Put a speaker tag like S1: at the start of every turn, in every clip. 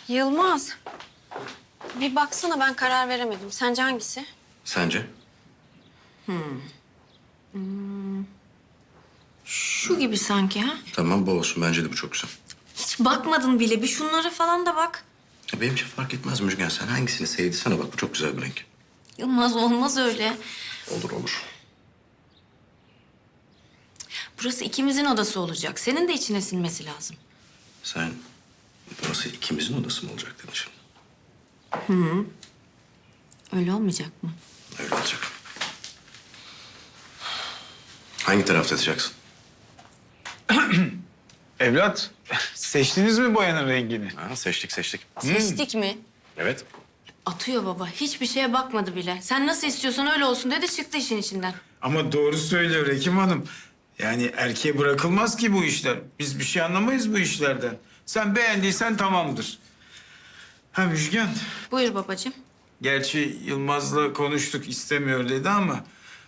S1: Yılmaz. Bir baksana ben karar veremedim. Sence hangisi?
S2: Sence?
S1: Şu gibi sanki ha?
S2: Tamam bu olsun. Bence de bu çok güzel.
S1: Hiç bakmadın bile. Bir şunlara falan da bak.
S2: Benim için fark etmez Müjgan. Sen hangisini sevdiysen bak. Bu çok güzel bir renk.
S1: Yılmaz olmaz öyle.
S2: Olur olur.
S1: Burası ikimizin odası olacak. Senin de içine sinmesi lazım.
S2: Sen burası ikimizin odası mı olacak dedin şimdi?
S1: Öyle olmayacak mı?
S2: Öyle olacak. Hangi tarafta yatacaksın?
S3: Evlat, seçtiniz mi boyanın rengini?
S2: Ha, seçtik.
S1: Seçtik mi?
S2: Evet.
S1: Atıyor baba. Hiçbir şeye bakmadı bile. Sen nasıl istiyorsan öyle olsun dedi çıktı işin içinden.
S3: Ama doğru söylüyor Hekim Hanım. Yani erkeğe bırakılmaz ki bu işler. Biz bir şey anlamayız bu işlerden. Sen beğendiysen tamamdır. Ha Müjgan,
S1: Buyur babacığım.
S3: gerçi Yılmaz'la konuştuk istemiyor dedi ama...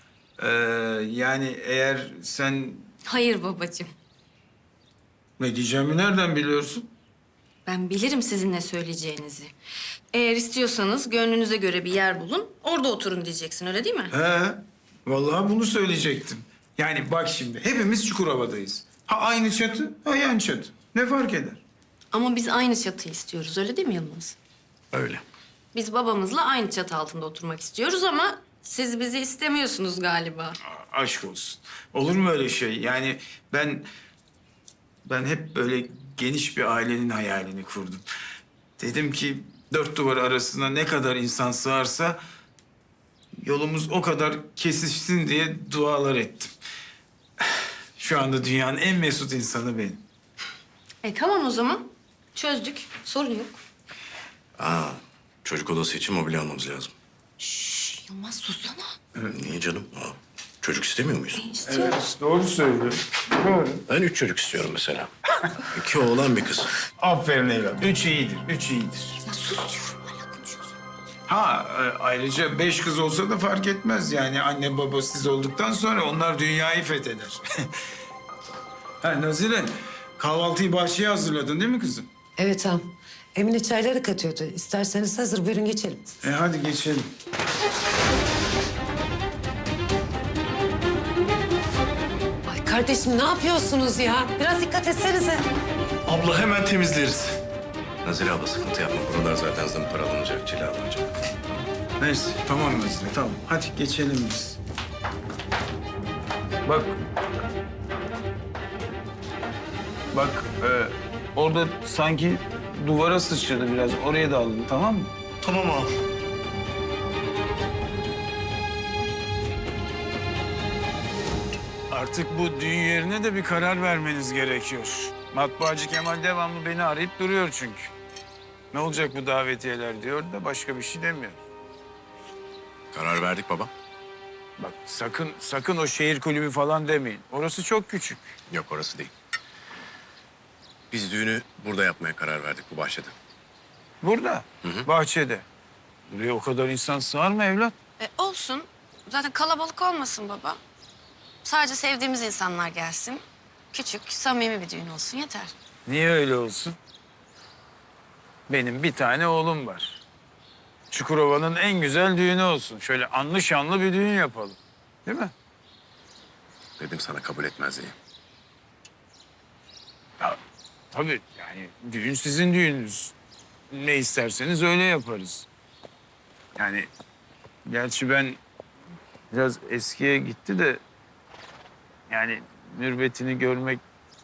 S3: yani eğer sen...
S1: Hayır babacığım.
S3: Ne diyeceğimi nereden biliyorsun?
S1: Ben bilirim sizin ne söyleyeceğinizi. Eğer istiyorsanız gönlünüze göre bir yer bulun. Orada oturun diyeceksin öyle değil mi?
S3: He, vallahi bunu söyleyecektim. Yani bak şimdi, hepimiz Çukurova'dayız. Ha aynı çatı, ha yan çatı. Ne fark eder?
S1: Ama biz aynı çatıyı istiyoruz öyle değil mi Yılmaz?
S2: Öyle.
S1: Biz babamızla aynı çatı altında oturmak istiyoruz ama siz bizi istemiyorsunuz galiba.
S3: Aşk olsun. Olur mu öyle şey? Yani ben hep böyle geniş bir ailenin hayalini kurdum. Dedim ki dört duvar arasına ne kadar insan sığarsa yolumuz o kadar kesişsin diye dualar ettim. Şu anda dünyanın en mesut insanı benim.
S1: Tamam o zaman. Çözdük. Sorun yok.
S2: Çocuk odası için mobilya almamız lazım.
S1: Yılmaz sussana.
S2: Niye canım? Çocuk istemiyor muyuz?
S1: İstiyoruz.
S3: Doğru söylüyor. Doğru.
S2: Ben 3 çocuk istiyorum mesela. 2 oğlan bir kız.
S3: Aferin evlat. Üç iyidir, üç iyidir.
S1: Ya sus diyorum. Hala konuşuyorsun.
S3: Ayrıca 5 kız olsa da fark etmez yani. Anne baba siz olduktan sonra onlar dünyayı fetheder. Ha Nazire, kahvaltıyı bahçeye hazırladın değil mi kızım?
S4: Evet ağam. Emine çayları katıyordu. İsterseniz hazır buyurun geçelim.
S3: Hadi geçelim.
S4: Ay kardeşim ne yapıyorsunuz ya? Biraz dikkat etsenize.
S5: Abla hemen temizleriz.
S2: Nazire abla sıkıntı yapma. Buralar zaten zımparalanacak, cilalanacak.
S3: Neyse tamam Nazire tamam. Hadi geçelim biz. Bak. Bak orada sanki duvara sıçradı biraz. Oraya da alın tamam mı?
S5: Tamam ağam.
S3: Artık bu düğün yerine de bir karar vermeniz gerekiyor. Matbaacı Kemal devamlı beni arayıp duruyor çünkü. Ne olacak bu davetiyeler diyor da başka bir şey demiyor.
S2: Karar verdik baba.
S3: Bak sakın o şehir kulübü falan demeyin. Orası çok küçük.
S2: Yok orası değil. Biz düğünü burada yapmaya karar verdik bu bahçede.
S3: Burada, bahçede. Buraya o kadar insan sığar mı evlat?
S1: Olsun. Zaten kalabalık olmasın baba. Sadece sevdiğimiz insanlar gelsin. Küçük, samimi bir düğün olsun yeter.
S3: Niye öyle olsun? Benim bir tane oğlum var. Çukurova'nın en güzel düğünü olsun. Şöyle anlı şanlı bir düğün yapalım. Değil mi?
S2: Dedim sana kabul etmez diye.
S3: Ya, tabii yani düğün sizin düğününüz. Ne isterseniz öyle yaparız. Yani gerçi ben biraz eskiye gitti de yani mürvetini görmek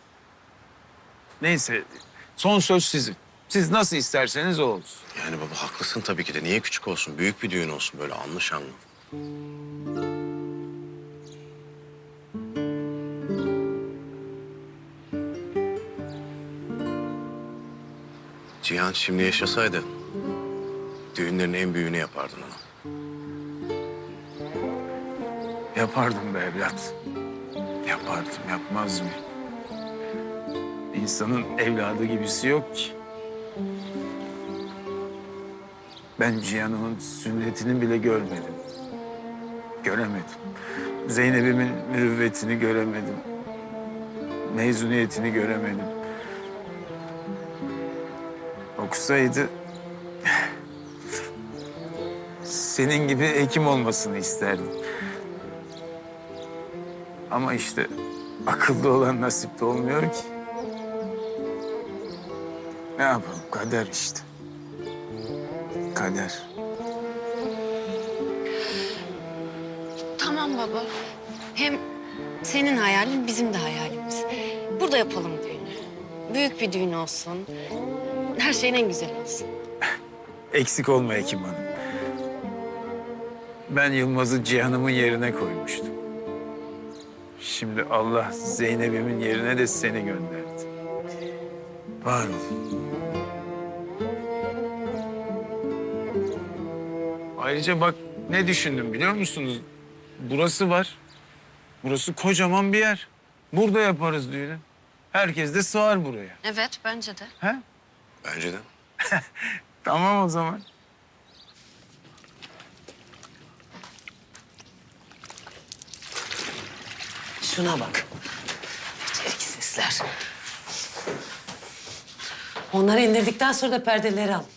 S3: neyse son söz sizin. Siz nasıl isterseniz o olsun.
S2: Yani baba haklısın tabii ki de. Niye küçük olsun? Büyük bir düğün olsun böyle anlı şanlı. Cihan şimdi yaşasaydı düğünlerin en büyüğünü yapardın ona.
S3: Yapardım be evlat. Yapardım, yapmaz mı? İnsanın evladı gibisi yok ki. Ben Cihan'ımın sünnetini bile görmedim. Göremedim. Zeynep'imin mürüvvetini göremedim. Mezuniyetini göremedim. O okusaydı... ...senin gibi hekim olmasını isterdim. Ama işte akıllı olan nasipte olmuyor ki. Ne yapalım, kader işte. Kader.
S1: Tamam baba. Hem senin hayalin bizim de hayalimiz. Burada yapalım düğünü. Büyük bir düğün olsun. Her şeyin en güzeli olsun.
S3: Eksik olma Hekim Hanım. Ben Yılmaz'ı Cihan'ımın yerine koymuştum. Şimdi Allah Zeynep'imin yerine de seni gönderdi. Var ol. Ayrıca bak ne düşündüm biliyor musunuz? Burası var. Burası kocaman bir yer. Burada yaparız düğünü. Herkes de sığar buraya.
S1: Evet, bence de.
S3: He?
S2: Bence de.
S3: Tamam o zaman.
S4: Şuna bak. Beceriksizler. Onları indirdikten sonra da perdeleri al.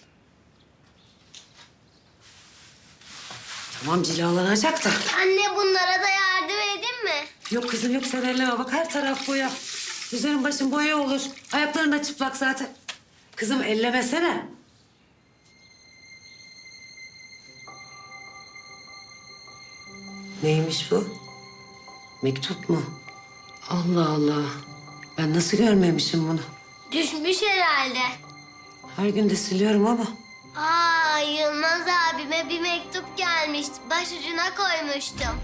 S4: Tamam cilalanacak da.
S6: Anne bunlara da yardım edin mi?
S4: Yok kızım yok sen elleme bak her taraf boya. Üzerin başın boya olur. Ayakların da çıplak zaten. Kızım ellemesene. Neymiş bu? Mektup mu? Allah Allah. Ben nasıl görmemişim bunu?
S6: Düşmüş herhalde.
S4: Her gün de siliyorum ama.
S6: Aa, Yılmaz abime bir mektup gelmiş. Başucuna koymuştum.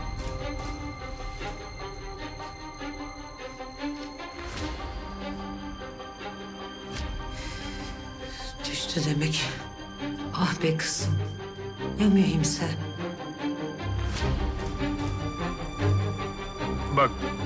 S4: Düştü demek. Ah be kızım. Ya mühimse?
S3: Bak